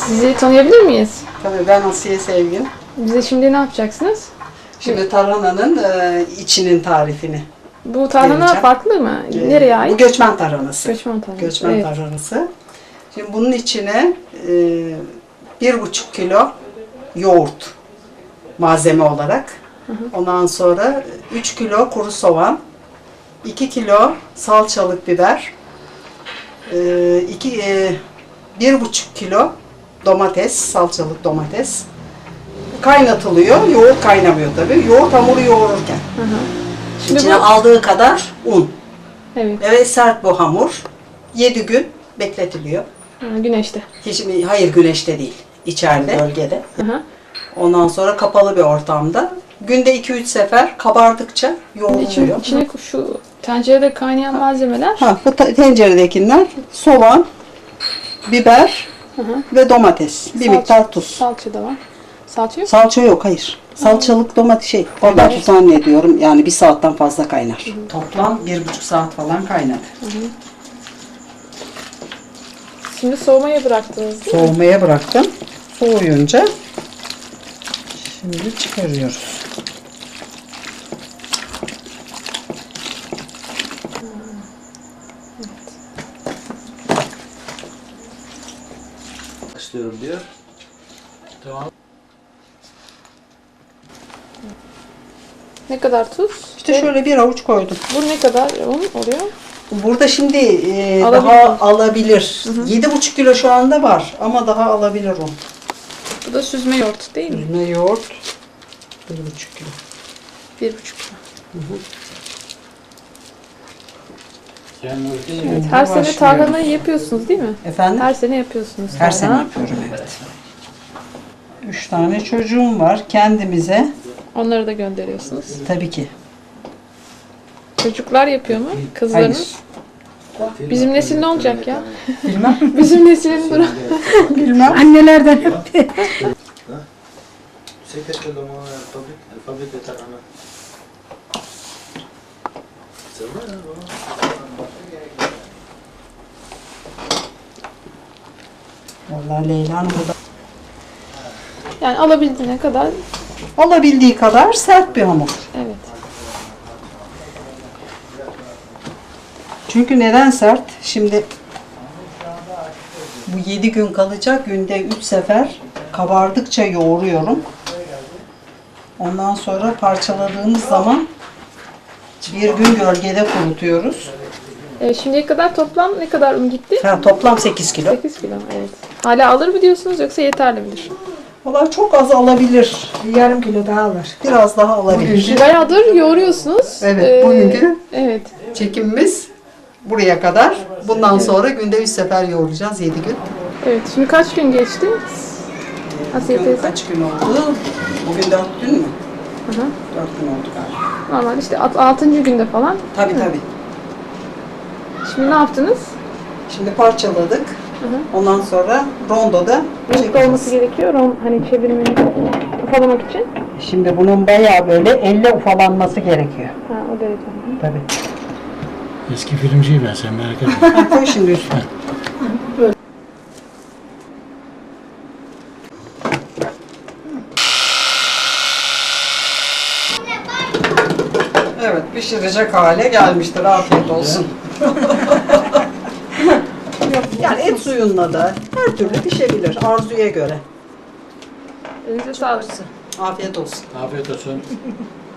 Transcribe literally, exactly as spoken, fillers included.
Sizi tanıyabilir miyiz? Tabii ben Asiye Sevgin. Bize şimdi ne yapacaksınız? Şimdi tarhananın e, içinin tarifini. Bu tarhana Vereceğim. farklı mı? E, Nereye Bu ait? göçmen tarhanası. Göçmen tarhanası. Göçmen Evet. tarhanası. Şimdi bunun içine e, bir buçuk kilo yoğurt malzeme olarak. Hı hı. Ondan sonra üç kilo kuru soğan, iki kilo salçalık biber, e, iki, e, bir buçuk kilo domates, salçalık domates. Kaynatılıyor. Yoğurt kaynamıyor tabii. Yoğurt hamuru yoğururken. Hı hı. Şimdi İçine bu- aldığı kadar un. Evet. Evet, sert bu hamur. yedi gün bekletiliyor. Ha, güneşte. Hiç, hayır, güneşte değil. İçeride, bölgede. Hı hı. Ondan sonra kapalı bir ortamda. Günde iki üç sefer kabardıkça yoğruluyor. İçine, içine şu tencerede kaynayan malzemeler. Ha, bu ta- tenceredekiler soğan, biber Hı hı. ve domates. Bir Salça- miktar tuz. Salça da var. Salça yok. Salça yok, hayır. Salçalık domates şey, oradan tuz zannediyorum. Yani bir saatten fazla kaynar. Toplam bir buçuk saat falan kaynadı. Şimdi soğumaya bıraktınız değil mi? Soğumaya bıraktım. Soğuyunca şimdi çıkarıyoruz. istiyorum diyor. Tamam. Ne kadar tuz? İşte şöyle bir avuç koydum. Bu ne kadar un oluyor? Burada şimdi e, Alabilir. daha alabilir. Yedi buçuk kilo şu anda var ama daha alabilir o. Bu da süzme yoğurt değil mi? Üzme yoğurt bir buçuk kilo. Bir buçuk kilo. Yani Evet, her sene başlıyoruz. tarhanayı yapıyorsunuz değil mi? Efendim? Her sene yapıyorsunuz. Her sene tarhana. yapıyorum, evet. Üç tane çocuğum var. Kendimize Onları da gönderiyorsunuz. tabii ki. Çocuklar yapıyor mu? Kızlarınız? Hayır. Bizim nesil ne olacak ya? Bilmem. Bizim neslin durum. Bilmem. Annelerden hep. Sei che quello alfabet alfabeto italiano. Vallahi Leyla'nın burada Yani alabildiğine kadar olabildiği kadar sert bir hamur. evet. Çünkü neden sert? Şimdi bu yedi gün kalacak. Günde üç sefer kabardıkça yoğuruyorum. Ondan sonra parçaladığımız zaman bir gün gölgede kurutuyoruz. E, şimdiye kadar toplam ne kadar un gitti? Ha, toplam sekiz kilo. sekiz kilo evet. Hala alır mı diyorsunuz yoksa yeterli midir? Valla çok az alabilir. Yarım kilo daha alır. Biraz daha alabilir. Bayağıdır yoğuruyorsunuz. Evet, Ee, bugünkü Evet. çekimimiz buraya kadar. Bundan sonra günde üç sefer yoğuracağız, yedi gün. Evet. Şimdi kaç gün geçti? Asiye Bugün teyze. kaç gün oldu? Bugün dört gün mü? Hı hı. Dört gün oldu galiba. Normal işte alt- altıncı günde falan. Tabii tabii. Şimdi ne yaptınız? Şimdi parçaladık. Hı hı. Ondan sonra rondoda Yumurta olması çekeceğiz. gerekiyor. Ron, hani çevirmeni ufalamak için. Şimdi bunun bayağı böyle elle ufalanması gerekiyor. Ha, o derece. Hı. Tabii. Eski filmciyim ben, sen merak etme. Ha, koy şimdi üstüne. Evet, pişirecek hale gelmiştir. Afiyet olsun. Yok, yani et suyunla da her türlü pişebilir arzuya göre. Elinize sağlık. Afiyet olsun. Afiyet olsun.